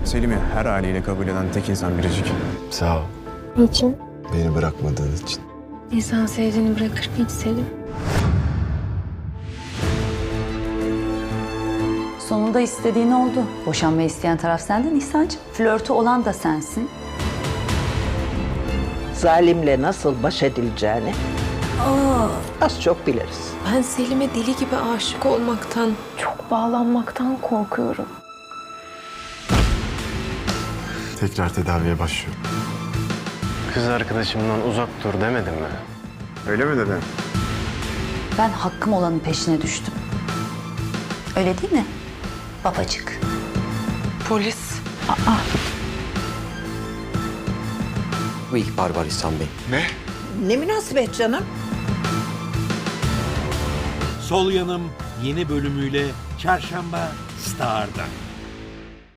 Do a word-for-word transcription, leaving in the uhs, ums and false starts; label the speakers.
Speaker 1: Selim'i her haliyle kabul eden tek insan Biricik.
Speaker 2: Sağ ol.
Speaker 3: Niçin?
Speaker 2: Beni bırakmadığın için.
Speaker 3: İnsan sevdiğini bırakır mı hiç Selim?
Speaker 4: Sonunda istediğin oldu. Boşanmayı isteyen taraf sendin İhsan'cığım. Flörtü olan da sensin.
Speaker 5: Zalimle nasıl baş edileceğini az çok biliriz.
Speaker 3: Ben Selim'e deli gibi aşık olmaktan, çok bağlanmaktan korkuyorum.
Speaker 2: Tekrar tedaviye başlıyorum.
Speaker 1: Kız arkadaşımdan uzak dur demedim mi? Öyle mi dedin?
Speaker 4: Ben hakkım olanın peşine düştüm. Öyle değil mi babacık?
Speaker 3: Polis.
Speaker 6: Bu ihbar var İhsan Bey.
Speaker 5: Ne münasebet canım?
Speaker 7: Sol Yanım yeni bölümüyle Çarşamba Star'da.